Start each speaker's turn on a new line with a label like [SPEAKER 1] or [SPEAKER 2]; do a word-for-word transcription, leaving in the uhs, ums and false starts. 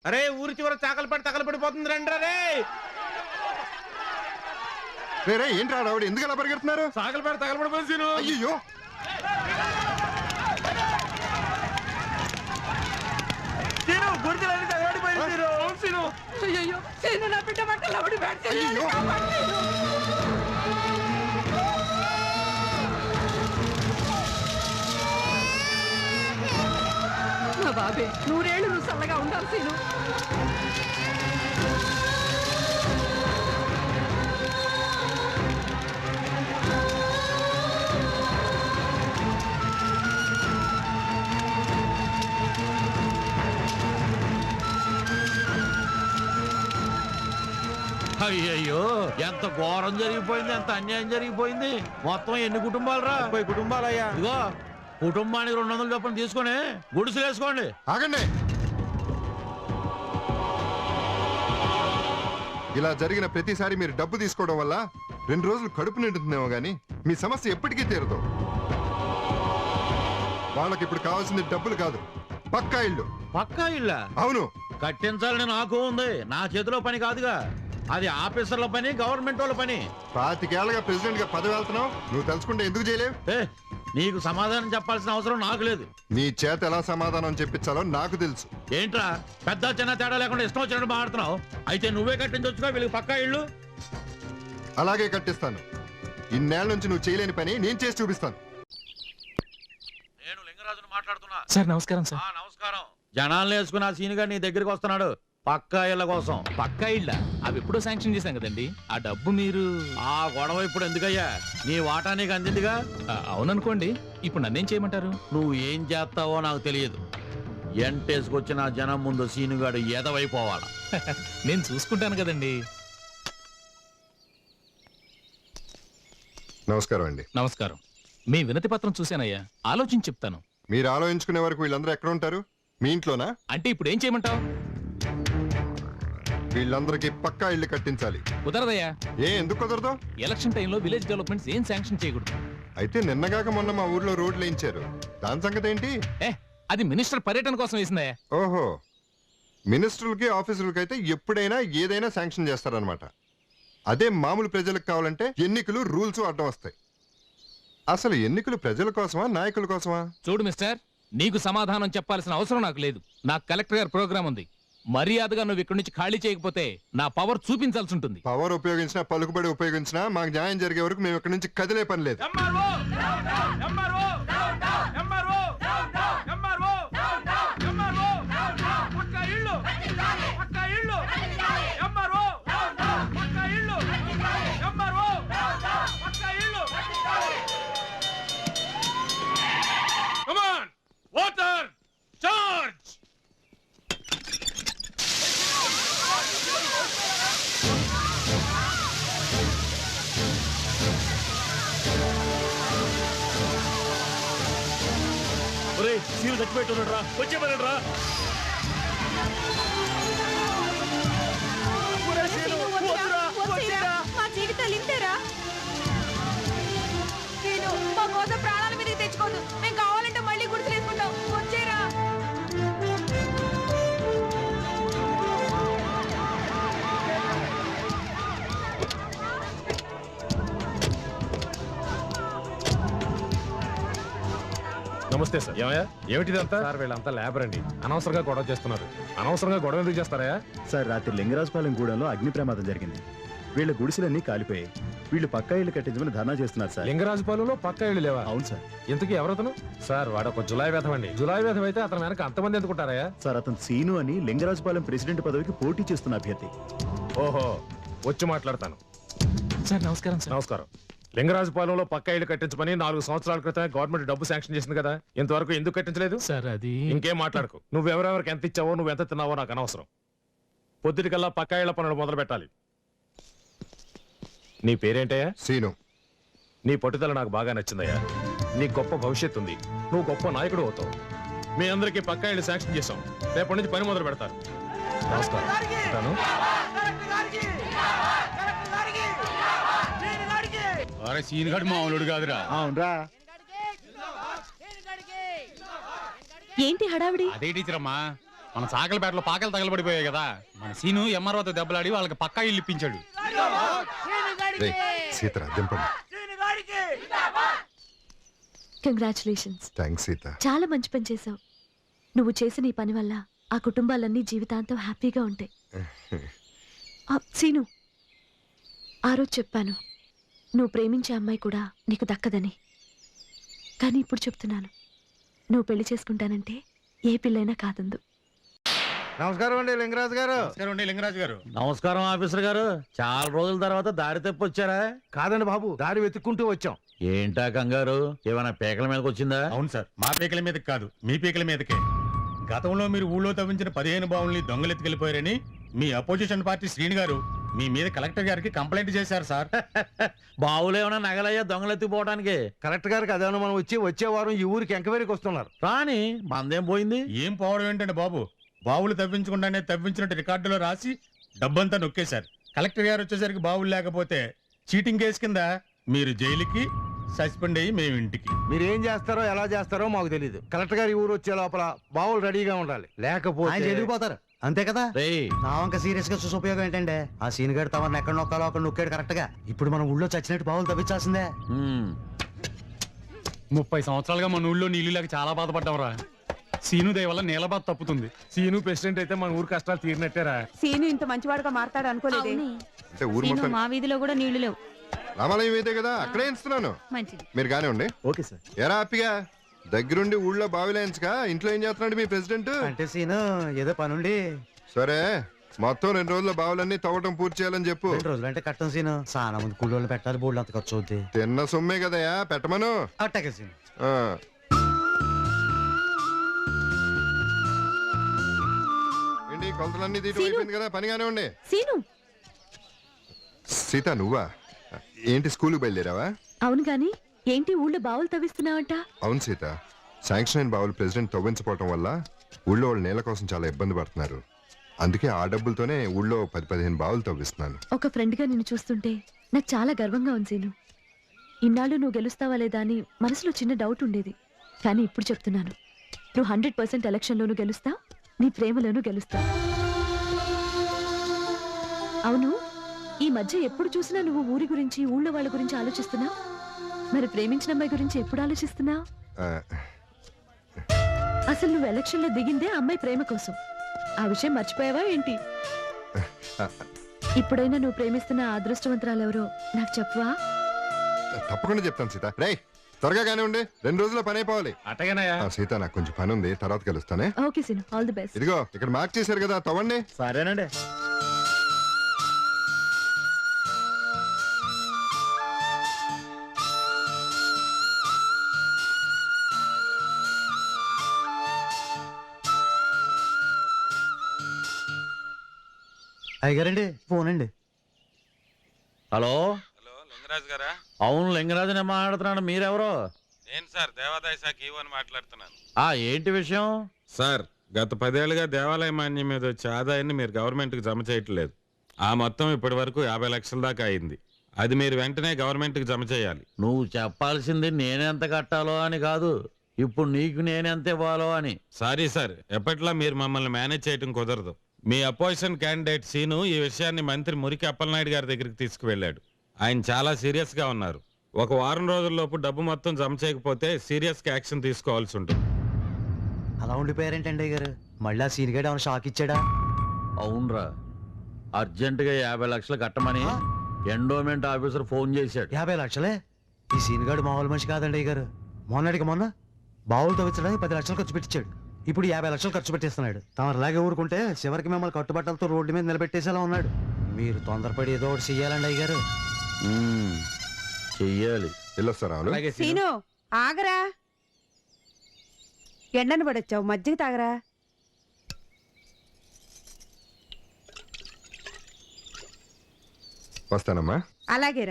[SPEAKER 1] అరే ఊరి చివర చాకలి పడి తగల పడిపోతుంది రండి రే.
[SPEAKER 2] రే ఏంట్రా రావుడు ఎందుకు అలా పరిగెడుతున్నారు?
[SPEAKER 1] చాకలి పడి తగల పడిపోయి.
[SPEAKER 2] అయ్యో
[SPEAKER 1] గుర్తులన్నీ తగలడిపోయింది.
[SPEAKER 3] నా బాబే నూరేళ్ళు నువ్వు చల్లగా ఉండాలి సీను.
[SPEAKER 4] అయ్యయ్యో ఎంత ఘోరం జరిగిపోయింది, ఎంత అన్యాయం జరిగిపోయింది. మొత్తం ఎన్ని కుటుంబాలు రా?
[SPEAKER 1] ముప్పై కుటుంబాలయ్యా.
[SPEAKER 4] ఇదిగో కుటుంబానికి రెండు వందల చొప్పున తీసుకొని గుడిసెలు వేసుకోండి.
[SPEAKER 2] ఆగండి. ఇలా జరిగిన ప్రతిసారి మీరు డబ్బు తీసుకోవడం వల్ల రెండు రోజులు కడుపు నిండుతుందేమో గానీ మీ సమస్య ఎప్పటికీ తీరదు. వాళ్ళకి ఇప్పుడు కావాల్సింది డబ్బులు కాదు, పక్కా ఇల్లు.
[SPEAKER 4] పక్కా ఇళ్ళ?
[SPEAKER 2] అవును.
[SPEAKER 4] కట్టించాలని నాకు ఉంది, నా చేతిలో పని కాదుగా. అది ఆఫీసర్ల పని, గవర్నమెంట్ వాళ్ళ పని.
[SPEAKER 2] పాతికేళ్లగా ప్రెసిడెంట్ గా పదవి వెళ్తున్నావు, నువ్వు తెలుసుకుంటే ఎందుకు చేయలేవు?
[SPEAKER 4] ఏ నీకు సమాధానం చెప్పాల్సిన అవసరం నాకు లేదు.
[SPEAKER 2] నీ చేత ఎలా సమాధానం చెప్పించాలో నాకు తెలుసు.
[SPEAKER 4] ఏంట్రా పెద్ద చిన్న తేడా లేకుండా ఇష్టం వచ్చినట్టు మాట్లాడుతున్నావు? అయితే నువ్వే కట్టించొచ్చుగా వీళ్ళకి పక్కా ఇళ్ళు.
[SPEAKER 2] అలాగే కట్టిస్తాను. ఇన్నేళ్ల నుంచి నువ్వు చేయలేని పని నేను చేసి చూపిస్తాను.
[SPEAKER 4] నేను లింగరాజును మాట్లాడుతున్నా.
[SPEAKER 5] సార్ నమస్కారం సార్.
[SPEAKER 4] నమస్కారం. జనాలను వేసుకుని ఆ సీనుగా నీ దగ్గరికి వస్తున్నాడు పక్కా ఇళ్ళ కోసం.
[SPEAKER 5] పక్కా ఇళ్ళ? అవి ఎప్పుడో శాంక్షన్ చేశాం కదండి. ఆ డబ్బు మీరు...
[SPEAKER 4] ఆ గొడవ ఇప్పుడు ఎందుకయ్యా? నీ వాటా నీకు అందిందిగా.
[SPEAKER 5] అవుననుకోండి, ఇప్పుడు నన్నేం చేయమంటారు?
[SPEAKER 4] నువ్వు ఏం చేస్తావో నాకు తెలియదు. ఎంటేసుకొచ్చిన జనం ముందు సీనుగాడు ఎదవైపోవాలా.
[SPEAKER 5] నేను చూసుకుంటాను కదండి.
[SPEAKER 2] నమస్కారం అండి.
[SPEAKER 5] నమస్కారం. మీ వినతి పత్రం చూశానయ్యా, ఆలోచించి చెప్తాను.
[SPEAKER 2] మీరు ఆలోచించుకునే వరకు వీళ్ళందరూ ఎక్కడ ఉంటారు? మీ ఇంట్లోనా?
[SPEAKER 5] అంటే ఇప్పుడు ఏం చేయమంటావు?
[SPEAKER 2] వీళ్ళందరికీ పక్కా ఇల్లు కట్టించాలి.
[SPEAKER 5] కుదరదయ్యా.
[SPEAKER 2] ఏ ఎందుకు కుదరదు?
[SPEAKER 5] ఎలక్షన్ టైంలో విలేజ్ డెవలప్మెంట్స్ ఏం శాంక్షన్ చేయకూడదు.
[SPEAKER 2] అయితే నిన్నగాక మొన్న మా ఊర్లో రోడ్లు వేయించారు, దాని సంగతి ఏంటి?
[SPEAKER 5] ఏ అది మినిస్టర్ పర్యటన కోసం వేసిందయ్యా.
[SPEAKER 2] ఓహో, మినిస్టర్లకి ఆఫీసర్లకి అయితే ఎప్పుడైనా ఏదైనా శాంక్షన్ చేస్తారనమాట. అదే మామూలు ప్రజలకు కావాలంటే ఎన్నికలు రూల్స్ అడ్డం వస్తాయి. అసలు ఎన్నికలు ప్రజల కోసమా నాయకుల కోసమా?
[SPEAKER 5] చూడు మిస్టర్, నీకు సమాధానం చెప్పాల్సిన అవసరం నాకు లేదు. నాకు కలెక్టర్ గారి ప్రోగ్రామ్ ఉంది. మర్యాదగా నువ్వు ఇక్కడి నుంచి ఖాళీ చేయకపోతే నా పవర్ చూపించాల్సి ఉంటుంది.
[SPEAKER 2] పవర్ ఉపయోగించినా పలుకుబడి ఉపయోగించినా మాకు న్యాయం జరిగే వరకు మేము ఇక్కడి నుంచి కదిలే పని లేదు.
[SPEAKER 4] Water charge. సీలు చచ్చిపెట్టున్నాడు రా, వచ్చేమన్నాడు రా.
[SPEAKER 3] మా జీవితాలు ఇంతేరా. నేను మా కోసం ప్రాణాల మీదకి తెచ్చుకోదు. మేము కావాలంటే మళ్ళీ గుర్తులు వేసుకుంటాం. వచ్చేరా.
[SPEAKER 6] నమస్తే సార్. ఏమయ్యా ఏమిటిదంతా? సార్ వీళ్ళంతా లేబర్ అండి, అనవసరంగా గొడవ చేస్తున్నారు. అనవసరంగా గొడవ ఎందుకు చేస్తారా?
[SPEAKER 7] సార్ రాత్రి లింగరాజపాలెం గూడెంలో అగ్ని ప్రమాదం జరిగింది. వీళ్ళ గుడిసెలన్నీ కాలిపోయాయి. వీళ్ళు పక్కా ఇల్లు కట్టించమని ధర్నా చేస్తున్నారు సార్.
[SPEAKER 6] లింగరాజపాలెంలో పక్కా ఇళ్ళు లేవా?
[SPEAKER 7] అవును సార్.
[SPEAKER 6] ఇంతకీ ఎవరతను? సార్ వాడు ఒక జులాయి వేధం అండి. జులాయి వేధం అయితే అతను వెనక అంతమంది ఎందుకుంటారా?
[SPEAKER 7] సార్ అతను సీను అని లింగరాజపాలెం ప్రెసిడెంట్ పదవికి పోటీ చేస్తున్న అభ్యర్థి.
[SPEAKER 6] ఓహో, వచ్చి మాట్లాడతాను.
[SPEAKER 5] సార్ నమస్కారం. సార్
[SPEAKER 6] నమస్కారం. లింగరాజపాలెంలో పక్కా ఇల్లు కట్టించమని నాలుగు సంవత్సరాల క్రితం గవర్నమెంట్ డబ్బు శాంక్షన్ చేసింది కదా, ఇంతవరకు ఎందుకు కట్టించలేదు?
[SPEAKER 5] సార్ అది...
[SPEAKER 6] ఇంకేం మాట్లాడకు. నువ్వెవరెవరికి ఎంత ఇచ్చావో, నువ్వు ఎంత తిన్నావో నాకు అనవసరం. పొద్దుటికల్లా పక్కా ఇళ్ల పనులు మొదలు పెట్టాలి. నీ పేరేంటయ్యా?
[SPEAKER 2] సీను.
[SPEAKER 6] నీ పట్టుదల నాకు బాగా నచ్చిందయ్యా. నీ గొప్ప భవిష్యత్తు ఉంది, నువ్వు గొప్ప నాయకుడు అవుతావు. మీ అందరికీ పక్కా ఇళ్ళు శాంక్షన్ చేశాం. రేపటి నుంచి పని మొదలు పెడతారు. నమస్కారం.
[SPEAKER 4] అరే సీనుగాడు మామూలుడు కాదురా.
[SPEAKER 7] అవునరా.
[SPEAKER 3] ఏంటి హడావిడి?
[SPEAKER 4] అదే టీచర్ అమ్మా,
[SPEAKER 8] మన సాకలపేటలో పాకలు తగలబడిపోయాయి కదా మన సీను ఎంఆర్ఓతో దెబ్బలాడి వాళ్ళకి పక్కా ఇల్లు ఇప్పించాడు.
[SPEAKER 2] రే సీతరా దింపండి.
[SPEAKER 3] కంగ్రాచులేషన్స్.
[SPEAKER 2] థ్యాంక్స్ సీత.
[SPEAKER 3] చాలా మంచి పని చేశావు. నువ్వు చేసిన ఈ పని వల్ల ఆ కుటుంబాలన్నీ జీవితాంతం హ్యాపీగా ఉంటాయి. ఆ, సీను, ఆ రోజు చెప్పాను నువ్వు ప్రేమించే అమ్మాయి కూడా నీకు దక్కదని. కానీ ఇప్పుడు చెప్తున్నాను, నువ్వు పెళ్లి చేసుకుంటానంటే ఏ పిల్లైనా కాదందు.
[SPEAKER 1] నమస్కారం అండి లింగరాజు గారు.
[SPEAKER 8] నమస్కారం అండి లింగరాజు గారు.
[SPEAKER 4] నమస్కారం ఆఫీసర్ గారు. చాలా రోజుల తర్వాత దారి తప్పి వచ్చారా?
[SPEAKER 1] కాదండి బాబు, దారి వెతుక్కుంటూ వచ్చాం.
[SPEAKER 4] ఏంటా కంగారు? ఏమైనా పేకల మీదకి వచ్చిందా?
[SPEAKER 8] అవును సార్, మా పీకల మీదకి కాదు మీ పీకల మీదకే. గతంలో మీరు ఊళ్ళో తవ్వించిన పదిహేను బావుల్ని దొంగలెత్తుకెళ్లిపోయారని మీ అపోజిషన్ పార్టీ శ్రీని గారు మీ మీద కలెక్టర్ గారికి కంప్లైంట్ చేశారు సార్.
[SPEAKER 4] బావులు ఏమైనా నగలయ్యా దొంగలెత్తిపోవడానికి?
[SPEAKER 1] కలెక్టర్ గారికి అదేమన్నా మనం వచ్చి వచ్చే వారం ఈ ఊరికి ఎంక్వైరీకి వస్తున్నారు.
[SPEAKER 4] రాని మందేం పోయింది?
[SPEAKER 8] ఏం పోవడం ఏంటండి బాబు, బావులు తవ్వించకుండానే తవ్వించినట్టు రికార్డులో రాసి డబ్బంతా నొక్కేశారు. కలెక్టర్ గారు వచ్చేసరికి బావులు లేకపోతే చీటింగ్ కేసు కింద మీరు జైలుకి, సస్పెండ్ అయ్యి మేము ఇంటికి.
[SPEAKER 1] మీరు ఏం చేస్తారో ఎలా చేస్తారో మాకు తెలియదు. కలెక్టర్ గారి ఊరు వచ్చే లోపల బావులు రెడీగా ఉండాలి, లేకపోతే
[SPEAKER 9] వెళ్ళిపోతారు అంతే కదా.
[SPEAKER 4] రేయ్
[SPEAKER 9] నా వంక సీరియస్ గా చూసి ఉపయోగం ఏంటంటే ఆ సీన్ గడు తమను ఎక్కడ నొక్కాలో అక్కడ నొక్కాడు కరెక్ట్ గా. ఇప్పుడు మనం ఊళ్ళో చచ్చినట్టు బావులు తవ్వించాల్సిందే.
[SPEAKER 4] హ్మ్.
[SPEAKER 8] ముప్పై సంవత్సరాలుగా మన ఊళ్ళో నీళ్లు లేక చాలా బాధపడ్డాంరా. సీను దయ వల్ల నీళ్ళ బాధ తప్పుతుంది.
[SPEAKER 6] సీను ప్రెసిడెంట్ అయితే మన ఊరు కష్టాలు తీరినట్టేరా.
[SPEAKER 3] సీను ఇంత మంచివాడుగా మారతాడు అనుకోలేదే.
[SPEAKER 2] అంటే ఊరు మొత్తం
[SPEAKER 3] మా వీధిలో కూడా నీళ్లు లేవు.
[SPEAKER 2] రామాలయం ఇదే కదా, అక్కడే ఇస్తున్నాను.
[SPEAKER 3] మంచిది.
[SPEAKER 2] మీరు గానే ఉండి.
[SPEAKER 7] Okay sir.
[SPEAKER 2] ఎరా హ్యాపీగా దగ్గరుండి ఊళ్ళో బావిలేయించగా ఇంట్లో ఏం చేస్తున్నాడు మీ ప్రెసిడెంట్?
[SPEAKER 9] అంటే సీను ఏదో పనుండి
[SPEAKER 2] సరే మొత్తం రెండు రోజుల బావులన్నీ తవ్వటం పూర్తి చేయాలని చెప్పు.
[SPEAKER 9] రెండు రోజులు అంటే కట్టం సీను. చాలా మంది కూలోళ్ళు పెట్టాలి, బోర్డు అంత ఖర్చు అవుద్ది.
[SPEAKER 2] తిన్న సొమ్మే కదయా, పెట్టమను.
[SPEAKER 9] అట్టాగే సీను.
[SPEAKER 2] ఆ. ఏంటి కొలతలన్నీ తీయటం అయిపోయింది కదా, పనిగానే ఉండి.
[SPEAKER 3] సీను.
[SPEAKER 2] సీత నువ్వా? ఏంటి స్కూల్కి బయలుదేరావా?
[SPEAKER 3] అవును గాని ఏంటి ఊళ్ళో బావులు తవ్విస్తున్నావంట?
[SPEAKER 2] అవును సీత, శాంక్షన్ అయిన బావులు ప్రెసిడెంట్ తవ్వించపోవటం వల్ల ఊళ్ళో వాళ్ళు నేల కోసం చాలా ఇబ్బంది పడుతున్నారు. అందుకే ఆ డబ్బులతోనే ఊళ్ళో పది పదిహేను బావులు తవ్విస్తున్నాను.
[SPEAKER 3] ఒక ఫ్రెండ్ గా నిన్ను చూస్తుంటే నాకు చాలా గర్వంగా ఉంది సీను. ఇన్నాళ్ళు నువ్వు గెలుస్తావా లేదా అని మనసులో చిన్న డౌట్ ఉండేది. కానీ ఇప్పుడు చెప్తున్నాను, నువ్వు హండ్రెడ్ పర్సెంట్ ఎలక్షన్లోనూ గెలుస్తావు, నీ ప్రేమలోనూ గెలుస్తావు. అవును, ఈ మధ్య ఎప్పుడు చూసినా నువ్వు ఊరి గురించి ఊళ్ళో వాళ్ళ గురించి ఆలోచిస్తున్నావు. మరి ప్రేమించిన అమ్మాయి గురించి ఎప్పుడు ఆలోచిస్తున్నావు?
[SPEAKER 2] ఆ,
[SPEAKER 3] అసలు నువ్వు ఎలక్షన్ లో దిగిందే అమ్మాయి ప్రేమ కోసం. ఆ విషయం మర్చిపోయావా ఏంటి? ఇప్పుడైనా నువ్వు ప్రేమిస్తున్న ఆ అదృష్టవంతురాలెవరో నాకు చెప్పవా?
[SPEAKER 2] తప్పకుండా చెప్తాను సీత. రేయ్ త్వరగా గానే ఉండి, రెండు రోజుల్లో పని అయిపోవాలి.
[SPEAKER 6] అట్టగానయ్యా.
[SPEAKER 2] ఆ, సీత నాకు కొంచెం పని ఉంది, తర్వాత కలుస్తానే.
[SPEAKER 3] Okay Seenu, all the best.
[SPEAKER 2] ఇదిగో ఇక్కడ మార్క్ చేశారు కదా, తవ్వండి.
[SPEAKER 7] సరేనండి.
[SPEAKER 9] అయ్యగారండి ఫోన్ అండి.
[SPEAKER 4] హలో
[SPEAKER 10] హలో లింగరాజు గారా?
[SPEAKER 4] అవును లింగరాజు నేను మాట్లాడుతున్నాను. మీరెవరో?
[SPEAKER 10] నేను సార్ దేవాదాయ శాఖ ఈవో అని మాట్లాడుతున్నాను.
[SPEAKER 4] ఆ ఏంటి విషయం?
[SPEAKER 10] సార్ గత పదేళ్లుగా దేవాలయ మాన్యం మీద వచ్చే ఆదాయాన్ని మీరు గవర్నమెంట్కి జమ చేయట్లేదు. ఆ మొత్తం ఇప్పటి వరకు యాభై లక్షల దాకా అయింది. అది మీరు వెంటనే గవర్నమెంట్కి జమ చేయాలి.
[SPEAKER 4] నువ్వు చెప్పాల్సింది నేనెంత కట్టాలో అని కాదు, ఇప్పుడు నీకు నేనెంత ఇవ్వాలో అని.
[SPEAKER 10] సారీ సార్, ఎప్పట్లా మీరు మమ్మల్ని మేనేజ్ చేయడం కుదరదు. మీ అపోజిషన్ క్యాండిడేట్ సీను ఈ విషయాన్ని మంత్రి మురికి అప్పలనాయుడు గారి దగ్గరికి తీసుకువెళ్ళాడు. ఆయన చాలా సీరియస్ గా ఉన్నారు. ఒక వారం రోజుల్లోపు డబ్బు మొత్తం జమ చేయకపోతే సీరియస్ గా యాక్షన్ తీసుకోవాల్సి ఉంటుంది.
[SPEAKER 9] అలా ఉండిపోయారేంటండి అయ్యగారు? మళ్ళీ ఆ సీన్ గడు ఏమైనా షాక్ ఇచ్చాడా?
[SPEAKER 4] అవునరా, అర్జెంటుగా యాభై లక్షలు కట్టమని ఎండోమెంట్ ఆఫీసర్ ఫోన్ చేశాడు.
[SPEAKER 9] యాభై లక్షలే? ఈ సీన్ గడు మామూలు మనిషి కాదండి అయ్యగారు. మొన్నటికి మొన్న బావులు తవ్వించడానికి పది లక్షలు ఖర్చు పెట్టించాడు. ఇప్పుడు యాభై లక్షలు ఖర్చు పెట్టేస్తున్నాడు. తమరు అలాగే ఊరుకుంటే చివరికి మిమ్మల్ని కట్టుబట్టలతో రోడ్డు మీద నిలబెట్టేసేలా ఉన్నాడు. మీరు తొందరపడి ఏదో ఒకటి చెయ్యాలండి అయ్యగారు.
[SPEAKER 4] ఉమ్, చెయ్యాలి.
[SPEAKER 2] వెళ్ళొస్తారా?
[SPEAKER 3] సీను ఆగరా, ఎండను పడొచ్చావు, మజ్జిగ తాగరా.
[SPEAKER 2] వస్తానమ్మా.
[SPEAKER 3] అలాగేరా.